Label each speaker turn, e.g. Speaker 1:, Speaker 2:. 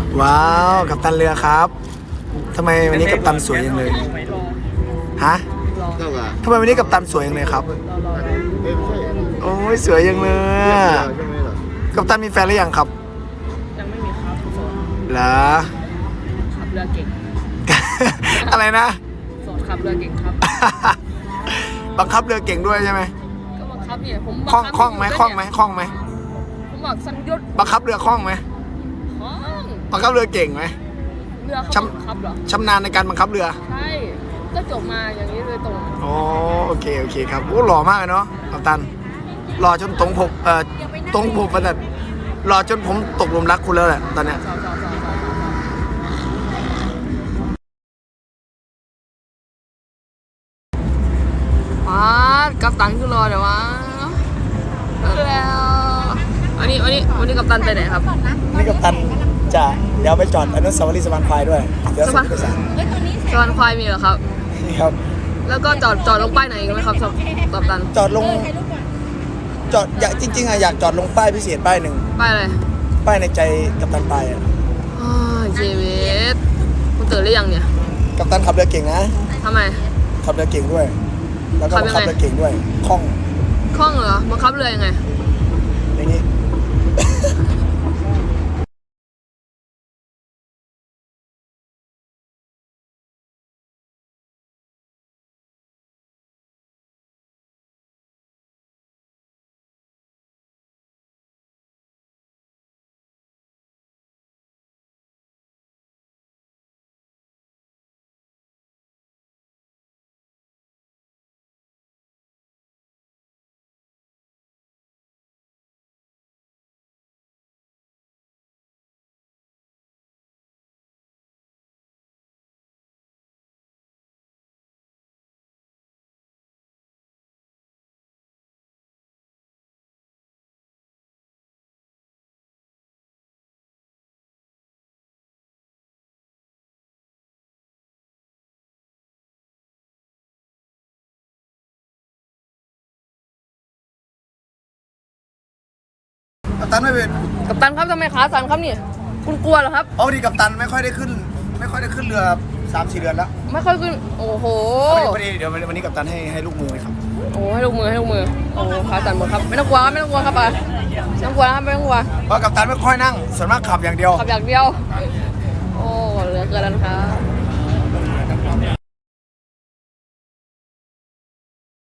Speaker 1: ว้าวกัปตันเรือครับทำไมวันนี้กัปตันสวยจังเลยฮะทำไมวันนี้กัปตันสวยจังเลยครับโอ้ยสวยจังเลยกัปตันมีแฟนหรือยังครับ
Speaker 2: ยังไม่มีครับโสด
Speaker 1: เหรอ
Speaker 2: ขับเรือเก่ง
Speaker 1: อะไรนะ
Speaker 2: โสดขับเรือเก่งครับ
Speaker 1: บังคับเรือเก่งด้วยใช่ไหม
Speaker 2: ก็บังคับเนี่ยผม
Speaker 1: คล่องไหม
Speaker 2: ผมบอกสัญญุ
Speaker 1: บังคับเรือคล่องไหมบังคับเรือเก่งไหม
Speaker 2: เรือเขาบังคับเหรอ
Speaker 1: ชำนาญในการบังคับเรือ
Speaker 2: ใช่ก็จบมาอย่างนี้เลยตรง
Speaker 1: อ๋อโอเคครับโอ้หล่อมากเลยเนาะกัปตันหล่อจนตรงผมประดับหล่อจนผมตกหลุมรักคุณแล้วแหละตอนเนี้ย
Speaker 2: กัปตันคือรอเดี๋ยววะแล้ววันนี้กัปตันไปไหนครับ
Speaker 1: นี่กัปตันจะเดี๋ยวไปจอดอนุสาวรีย์สะพานควายด้วยเดี๋ยวส่งไปสาน
Speaker 2: สะพานควายมีเหรอครับ
Speaker 1: นี่ครับ
Speaker 2: แล้วก็จอดลงป้ายไหนกันไหมครับกัปตัน
Speaker 1: จอดจริงๆอยากจอดลงป้ายพิเศษป้ายหนึ่ง
Speaker 2: ป้ายอะไร
Speaker 1: ป้ายในใจกัปตันไปอ่ะ
Speaker 2: เจเวสคุณตื่นหรือยังเนี่ย
Speaker 1: กัปตันขับเรือเก่งนะ
Speaker 2: ทำไม
Speaker 1: ขับเรือเก่งด้วยแล้วก็ขับเรือเก่งด้วยคล่อง
Speaker 2: เหรอบังคับเรือยังไง
Speaker 1: อย่างนี้กัปตันไม่เป็น
Speaker 2: กัปตันครับทำไมขาสั่นครับนี่คุณกลัวเหรอครับ
Speaker 1: เอาดีกัปตันไม่ค่อยได้ขึ้นเรือ3-4 เดือนแล้ว
Speaker 2: ไม่ค่อยขึ้นโอ้โห
Speaker 1: พอดีเดี๋ยววันนี้กัปตันให้ลูกมือครับ
Speaker 2: โอ้ให้ลูกมือโอ้ขาสั่นหมดครับไม่ต้องกลัวครับไม่ต้องกลัวครับไม่ต้องกลัวครับไม่ต้องกลัว
Speaker 1: เพราะกัปตันไม่ค่อยนั่งส่วนมากขับอย่างเดียว
Speaker 2: โอ้เหลือเกินแล้วครับ